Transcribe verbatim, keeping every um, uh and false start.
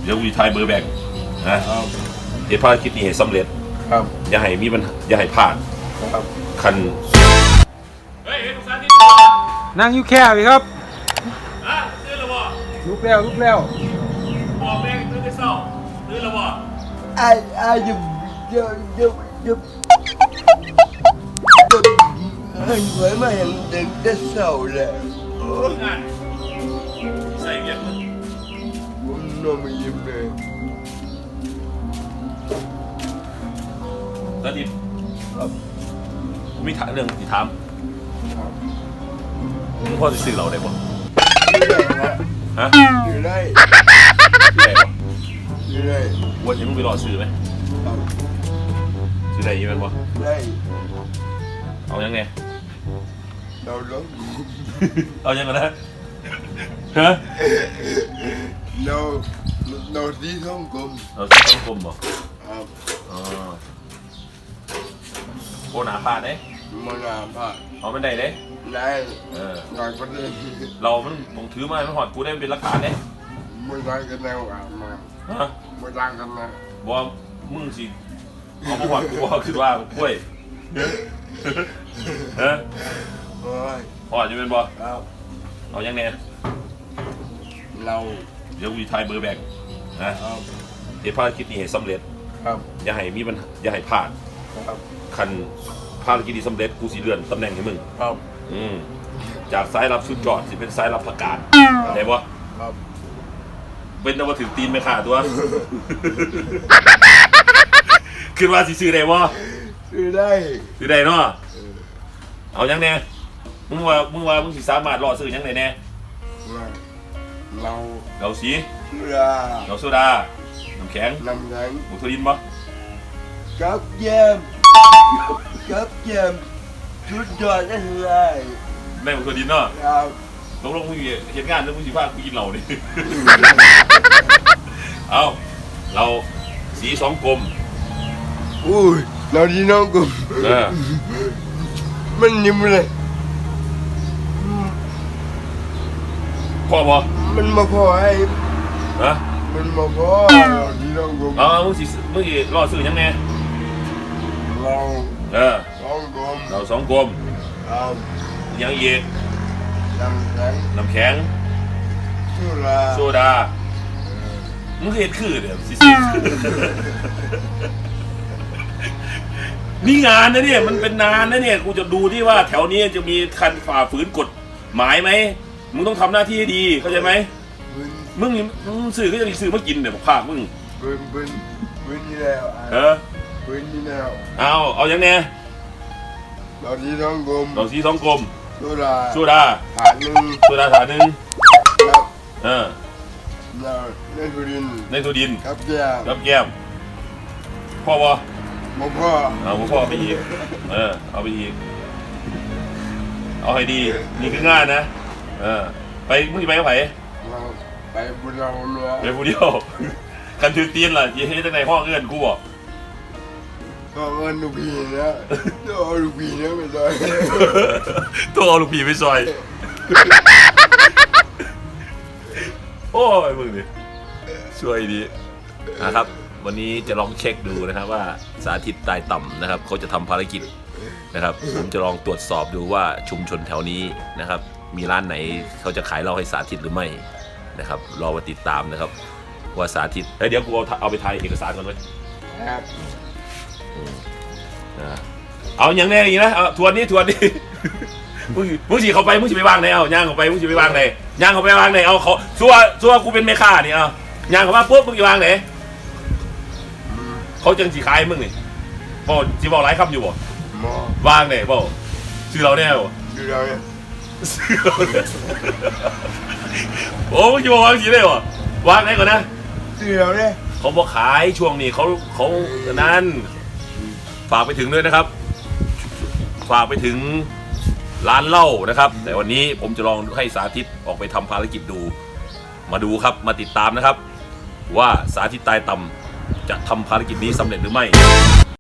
ดี๋ยววีทายเบอร์แบ่งนะเดี๋ยวภารกิจนี้ให้สำเร็จครับอย่าให้มีปัญหาอย่าให้พลาดครับคันเฮ้ยทุกท่านที่นั่งอยู่แค่พี่ครับอ่ะตื่นแล้วบ่ลุกแล้วลุกแล้วบอกแม่งตื่นได้เศร้าตื่นแล้วบ่ไอ้ไอ้ยุบยุบยุบยุบเฮ้ยไว้มาเห็นเด็กได้เศร้าเลยงานใส่เวียนมึงผมนอนไม่ยิ้มเลยตอนนี้มีถามเรื่องที่ถามมึงพ่อจะซื้อเราได้บ่ฮะอยู่ได้ได้บ่อยู่ได้วันนี้มึงไปรอซื้อไหมซื้อได้ยังไงบ่ได้เอายังไงเราล้มเอายังไงนะฮะเราเราที่ท้องกลมเราที่ท้องกลมบ่ครับอ๋อโคหนาพาดเด้มันหนาพาดเอามันได้เด้ได้เออหน่อยก็ได้เรามันต้องถือมาไม่หอดกูได้เป็นหลักฐานเด้ไม่ได้กันแล้วอ่ะมาฮะไม่ได้กันนะบอกมึงสิเอามาหอดกูบอกคือว่ากล้วยฮะโอ้ยหอดจะเป็นบ่ครับเอายังไงเราเดี๋ยววีทายเบอร์แบ่งนะครับเดี๋ยวภารกิจนี้ให้สำเร็จครับอย่าให้มีปัญหาอย่าให้พลาดครับคันภารกิจนี้สำเร็จกูสิเลื่อนตำแหน่งให้มึงครับอืมจากสายรับชุดจอดสิเป็นสายรับประกาศได้บ่ครับเป็นนวัตถึงตีนไม่ขาดตัวคิดว่าสิซื้อได้บ่ซื้อได้ซื้อได้เนาะเอายังแน่มึงว่ามึงว่ามึงสิสามารถรอซื้อยังไงแน่เราเราสีโซดาเราโซดาน้ำแข็งน้ำแข็งบุตรินบ่กับแยมกับแยมชุดยอดได้เลยแม่บุตรินเนาะครับลงลงมึงเห็นงานแล้วมึงสิพากูกินเหล้าดิเอาเราสีสองกลมอุ้ยเราดีน้องกลมเออมันยิ้มเลยพอบ่มันมาพอไอ้ฮะมันมาพอเราดีน้องกลมอ๋อมึงสิมึงสิรอซื้อยังไงเราเออสองกลมเราสองกลมครับยังอีกน้ำแข็งน้ำแข็งโซดาโซดามึงเห็นคือเดี๋ยวสินี่งานนะเนี่ยมันเป็นนานนะเนี่ยกูจะดูที่ว่าแถวนี้จะมีคันฝ่าฝืนกฎหมายไหมมึงต้องทำหน้าที่ให้ดีเข้าใจไหมมึงมึงสื่อก็จะสื่อมากินเนี่ยภาคมึงปืนปืนปืนนี่แล้วเออปืนนี่แล้วเอาเอาอย่างเนี้ยเราสีทองกลมเราสีทองกลมโซดาโซดาถาดหนึ่งโซดาถาดหนึ่งครับเออในทุดินในทุดินครับแก้มครับแก้มพ่อบ่บ่พ่อเอาพ่อไปอีกเออเอาไปอีกเอาให้ดีนี่คืองานนะเออไปมึงไปกับไผไปบุญเราเนาะไปผู้เดียวคันถือตีนล่ะยี่ให้ตั้งในห้องเอื้อนกูบอกก็เงินลูกพี่นะตัวเอาลูกพี่นะไปซอยตัวเอาลูกพี่ไปซอยโอ้ยมึงดิช่วยดีนะครับวันนี้จะลองเช็คดูนะครับว่าสาธิตตายต่ำนะครับเขาจะทำภารกิจนะครับผมจะลองตรวจสอบดูว่าชุมชนแถวนี้นะครับมีร้านไหนเขาจะขายเหล้าให้สาธิตหรือไม่นะครับรอมาติดตามนะครับว่าสาธิตเฮ้ยเดี๋ยวกูเอาเอาไปถ่ายเอกสารก่อนไว้ครับเอาอย่างแน่อย่างนี้นะเอาทวนนี้ทวนนี้มึงมึงสิเข้าไปมึงสิไปวางไหนเอาย่างเข้าไปมึงสิไปวางไหนย่างเข้าไปวางไหนเอาเขาซัวซัวกูเป็นแม่ค้านี่เอาย่างเข้ามาปุ๊บมึงสิวางไหนเขาจังสิขายมึงนี่บอกสิบอกหลายคำอยู่บ่วางไหนบอกซื้อเราแน่บ่ซื้อเราเนี่ยซื้อเราเนี่ยโอ้มึงจะบอกวางสิได้บ่วางไหนก่อนนะซื้อเราเนี่ยเขาบอกขายช่วงนี้เขาเขานั้นฝากไปถึงด้วยนะครับฝากไปถึงร้านเหล้านะครับแต่วันนี้ผมจะลองให้สาธิตออกไปทำภารกิจดูมาดูครับมาติดตามนะครับว่าสาธิตตายต่ำจะทำภารกิจนี้สำเร็จหรือไม่